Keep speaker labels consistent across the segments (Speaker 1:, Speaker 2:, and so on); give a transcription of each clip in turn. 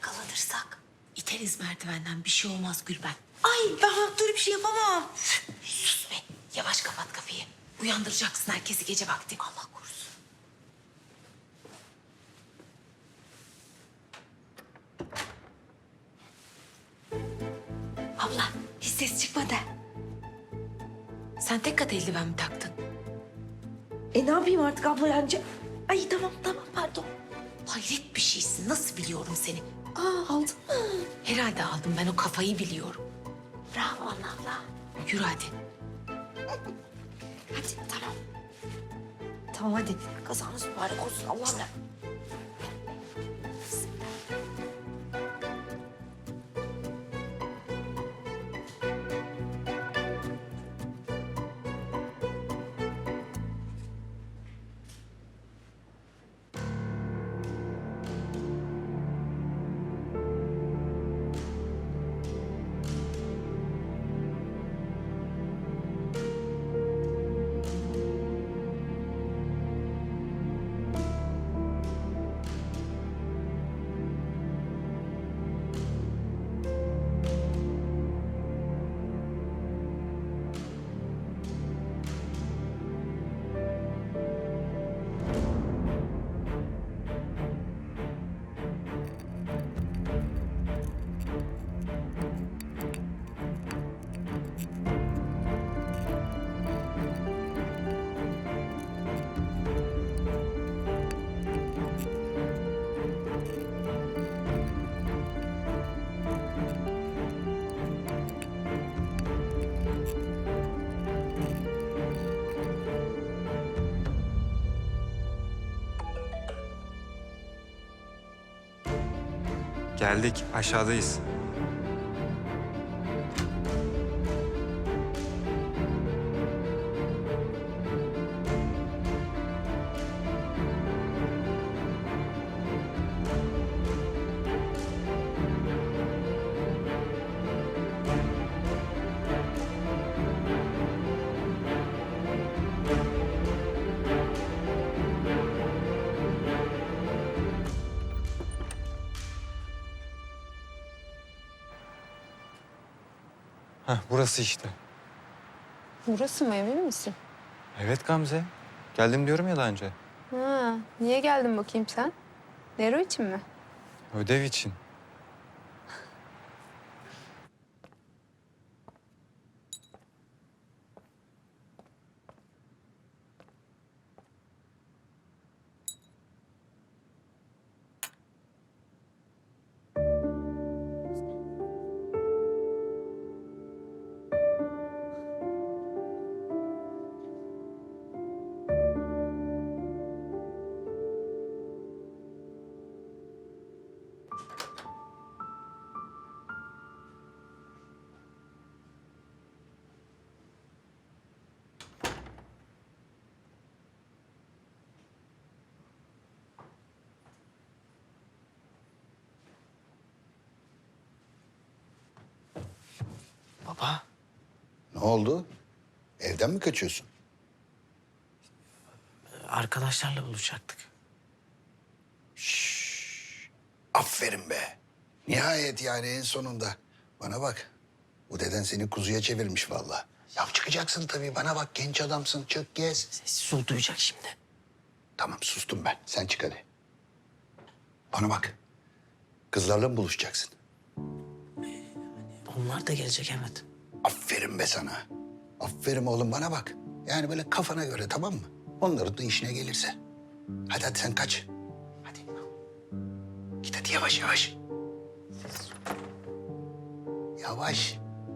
Speaker 1: yakalanırsak iteriz merdivenden, bir şey olmaz Gülben.
Speaker 2: Ay ben Makbule bir şey yapamam.
Speaker 1: Sus be, yavaş kapat kapıyı. Uyandıracaksın herkesi gece vakti. Allah korusun. Abla, hiç ses çıkmadı. Sen tek kat eldiven mi taktın?
Speaker 2: Ne yapayım artık abla yani? Ay tamam pardon.
Speaker 1: Hayret bir şeysin, nasıl biliyorum seni?
Speaker 2: Aldın mı?
Speaker 1: Herhalde aldım, ben o kafayı biliyorum.
Speaker 2: Bravo Anna abla.
Speaker 1: Yürü hadi.
Speaker 2: Hadi tamam. Tamam hadi. Kazanız mübarek olsun Allah'ım.
Speaker 3: Geldik, aşağıdayız. Burası işte.
Speaker 4: Burası mı, emin misin?
Speaker 3: Evet Gamze. Geldim diyorum ya daha önce.
Speaker 4: Ha, niye geldin bakayım sen? Nero için mi?
Speaker 3: Ödev için.
Speaker 1: Baba,
Speaker 5: Ne oldu? Evden mi kaçıyorsun?
Speaker 1: arkadaşlarla buluşacaktık.
Speaker 5: Aferin be. Nihayet yani en sonunda. Bana bak. Bu deden seni kuzuya çevirmiş vallahi. Ya çıkacaksın tabii. Bana bak genç adamsın. Çık gez.
Speaker 1: Sessiz ol, duyacak şimdi.
Speaker 5: Tamam sustum ben. Sen çık hadi. Bana bak. Kızlarla mı buluşacaksın?
Speaker 1: Onlar da gelecek, evet.
Speaker 5: Aferin be sana. Aferin oğlum bana bak. Yani böyle kafana göre tamam mı? Onların da işine gelirse. Hadi sen kaç. Hadi. Git hadi yavaş yavaş. Yavaş.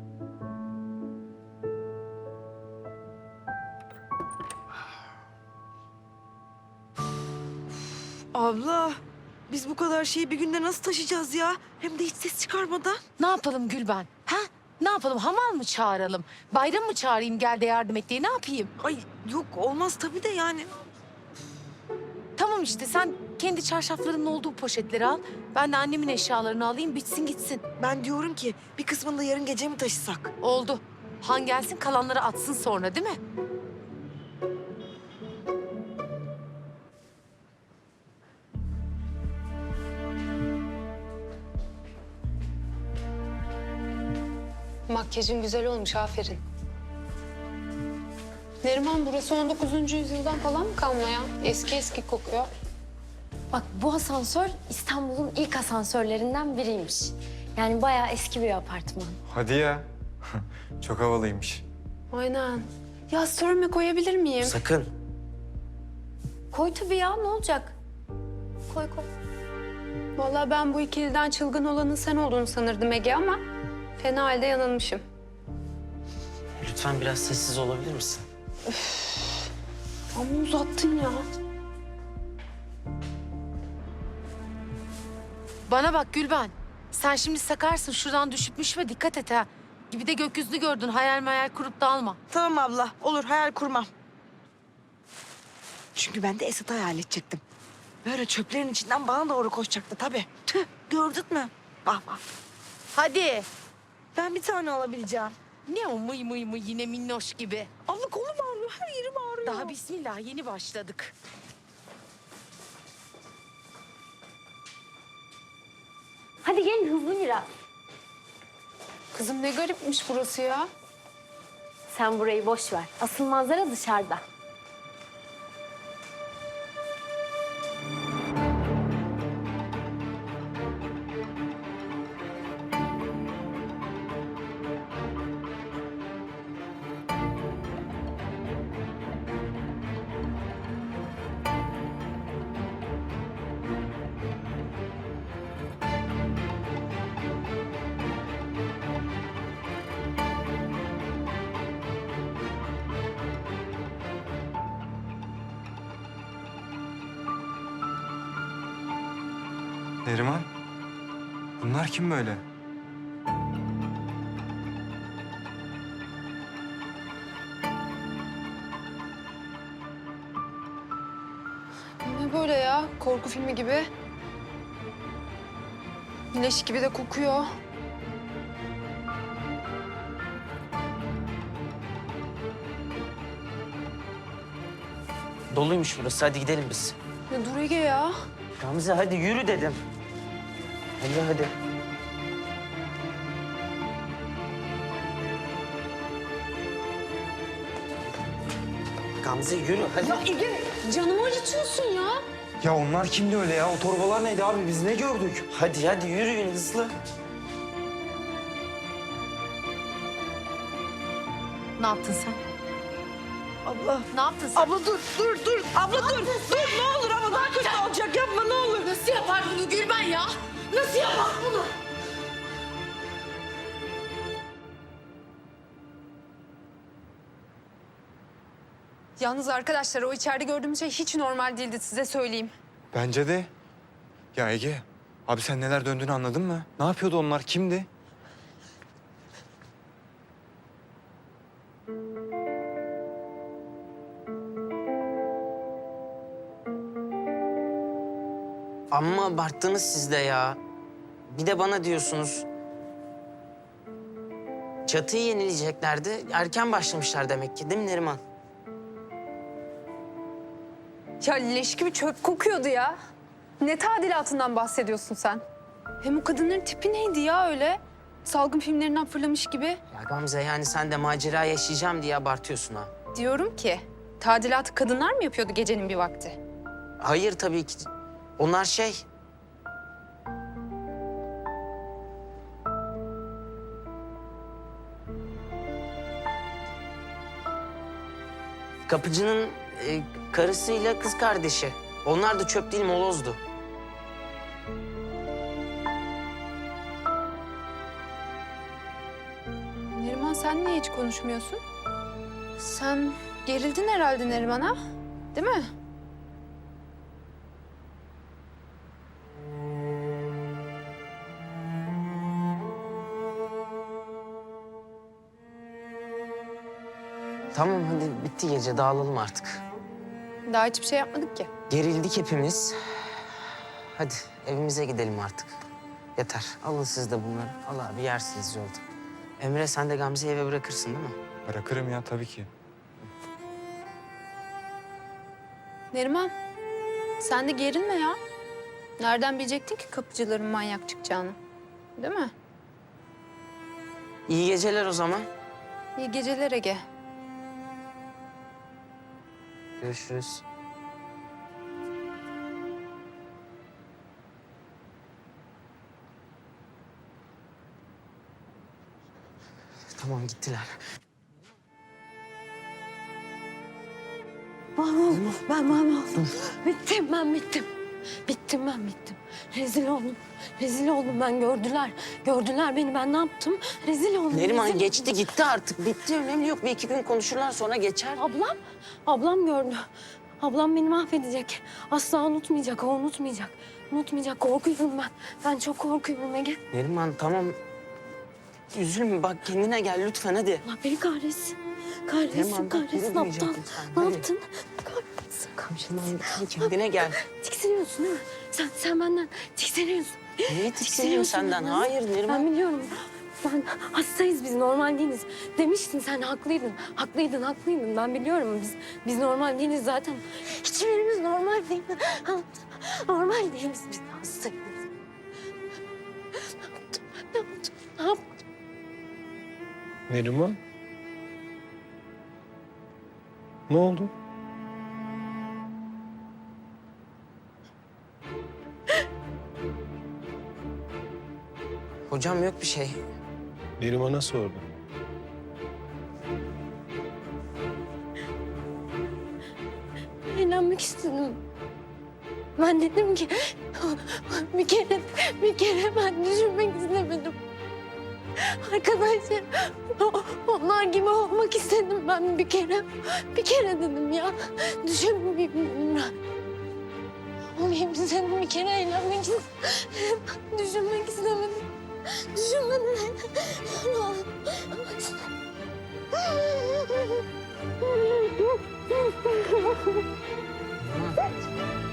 Speaker 2: Abla biz bu kadar şeyi bir günde nasıl taşıyacağız ya? Hem de hiç ses çıkarmadan.
Speaker 6: Ne yapalım Gülben? Ha? Ne yapalım? Hamal mı çağıralım? Bayram mı çağırayım gel de yardım et diye? Ne yapayım?
Speaker 2: Ay yok olmaz tabii de yani.
Speaker 6: Tamam işte sen kendi çarşaflarının olduğu poşetleri al. Ben de annemin eşyalarını alayım bitsin gitsin.
Speaker 2: Ben diyorum ki bir kısmını da yarın gece mi taşısak?
Speaker 6: Oldu. Han gelsin kalanları atsın sonra değil mi?
Speaker 4: Makyajın güzel olmuş, aferin. Neriman, burası 19. yüzyıldan falan mı kalma ya? Eski eski kokuyor.
Speaker 7: Bak bu asansör İstanbul'un ilk asansörlerinden biriymiş. Yani bayağı eski bir apartman.
Speaker 3: Hadi ya. Çok havalıymış.
Speaker 4: Aynen. Ya story'me koyabilir miyim?
Speaker 8: Sakın.
Speaker 7: Koy tabii ya, ne olacak? Koy koy.
Speaker 4: Vallahi ben bu ikiliden çılgın olanın sen olduğunu sanırdım Ege ama fena halde yanılmışım.
Speaker 8: Lütfen biraz sessiz olabilir misin?
Speaker 4: Ama uzattın ya.
Speaker 6: Bana bak Gülben. Sen şimdi sakarsın, şuradan düşüp müşme dikkat et ha. Gibi de gökyüzünü gördün, hayal meyal kurup da alma.
Speaker 2: Tamam abla, olur hayal kurmam. Çünkü ben de Esat'ı hayal edecektim. Böyle çöplerin içinden bana doğru koşacaktı tabii. Tüh, gördün mü? Bak bak.
Speaker 6: Hadi.
Speaker 2: Ben bir tane alabileceğim.
Speaker 6: Ne o mıy mıy mıy yine minnoş gibi.
Speaker 2: Abla kolum ağrıyor, her yerim ağrıyor.
Speaker 6: Daha bismillah yeni başladık.
Speaker 7: Hadi gelin hızlı biraz.
Speaker 4: Kızım ne garipmiş burası ya.
Speaker 7: Sen burayı boş ver. Asıl manzara dışarıda.
Speaker 3: Neriman. Bunlar kim böyle?
Speaker 4: Ne böyle ya? Korku filmi gibi. Leş gibi de kokuyor.
Speaker 8: Doluymuş burası. Hadi gidelim biz.
Speaker 4: Ya dur Ege ya.
Speaker 8: Gamze hadi yürü dedim. Hadi. Gamze yürü hadi.
Speaker 4: Ege canımı acıtıyorsun ya.
Speaker 3: Ya onlar kimdi öyle ya? O torbalar neydi abi? Biz ne gördük?
Speaker 8: Hadi yürüyün hızlı.
Speaker 6: Ne yaptın sen?
Speaker 2: Abla,
Speaker 6: Ne yaptın sen?
Speaker 2: abla dur. Abla dur. Dur ne olur ama daha kötü olacak. Yapma ne olur.
Speaker 6: Nasıl yapar bunu Gülben ya? Nasıl yapar bunu?
Speaker 4: Yalnız arkadaşlar o içeride gördüğümüz şey hiç normal değildi size söyleyeyim.
Speaker 3: Bence de. Ya Ege, abi sen neler döndüğünü anladın mı? Ne yapıyordu onlar? Kimdi?
Speaker 8: Amma abarttınız siz de ya. Bir de bana diyorsunuz. Çatıyı yenileyeceklerdi. Erken başlamışlar demek ki değil mi Neriman?
Speaker 4: Ya leş gibi çöp kokuyordu ya. Ne tadilatından bahsediyorsun sen? Hem o kadınların tipi neydi ya öyle? Salgın filmlerinden fırlamış gibi.
Speaker 8: Ya Gamze yani sen de macera yaşayacağım diye abartıyorsun ha.
Speaker 4: Diyorum ki tadilatı kadınlar mı yapıyordu gecenin bir vakti?
Speaker 8: Hayır tabii ki. Onlar şey... Kapıcının karısıyla kız kardeşi. Onlar da çöp değil molozdu.
Speaker 4: Neriman sen niye hiç konuşmuyorsun? Sen gerildin herhalde Neriman'a, değil mi?
Speaker 8: Tamam hadi bitti gece dağılalım artık.
Speaker 4: Daha hiçbir şey yapmadık ki.
Speaker 8: Gerildik hepimiz. Hadi evimize gidelim artık. Yeter. Alın siz de bunları. Al abi yersiniz yolda. Emre sen de Gamze'yi eve bırakırsın değil mi?
Speaker 3: Bırakırım ya tabii ki.
Speaker 4: Neriman, sen de gerilme ya. Nereden bilecektin ki kapıcıların manyak çıkacağını? Değil mi?
Speaker 8: İyi geceler o zaman.
Speaker 4: İyi geceler Ege.
Speaker 8: Görüşürüz. Tamam gittiler.
Speaker 7: Ben mahvoldum. Bittim ben bittim. Bittim ben bittim. Rezil oldum. Rezil oldum ben gördüler. Gördüler beni ben ne yaptım? Rezil oldum.
Speaker 8: Neriman
Speaker 7: rezil
Speaker 8: geçti
Speaker 7: oldum.
Speaker 8: gitti artık. Bitti önemli yok. Bir iki gün konuşurlar sonra geçer.
Speaker 7: Ablam gördü. Ablam beni mahvedecek. Asla unutmayacak, o unutmayacak. Unutmayacak, korkuyorum ben. Ben çok korkuyorum Ege.
Speaker 8: Neriman tamam. Üzülme bak kendine gel lütfen hadi.
Speaker 7: Allah beni kahretsin. Kahretsin,
Speaker 8: Neriman, bak,
Speaker 7: kahretsin.
Speaker 8: yürümeyecek
Speaker 7: Aptal.
Speaker 8: lütfen,
Speaker 7: Ne
Speaker 8: hadi.
Speaker 7: yaptın? Kahretsin.
Speaker 8: Neriman kendine gel.
Speaker 7: Tiksiniyorsun değil mi? Sen benden tiksiniyorsun.
Speaker 8: Niye tiksiniyorum senden?
Speaker 7: benden.
Speaker 8: Hayır Neriman.
Speaker 7: Ben biliyorum. Ben hastayız biz, normal değiliz. Demiştin sen haklıydın. Haklıydın. Ben biliyorum biz normal değiliz zaten. Hiçbirimiz normal değil. Normal değiliz biz hastayız. Ne yaptım?
Speaker 9: Neriman? Ne oldu?
Speaker 8: Hocam yok bir şey.
Speaker 9: Neriman'a sordum.
Speaker 7: Eğlenmek istedim. Ben dedim ki bir kere ben düşünmek istemedim. Arkadaşlar onlar gibi olmak istedim ben bir kere dedim ya. Düşünmeyeyim dedim ben. Olayım istedim bir kere eğlenmek istedim. Düşünmek istemedim. Düşünmedim.
Speaker 8: Neriman.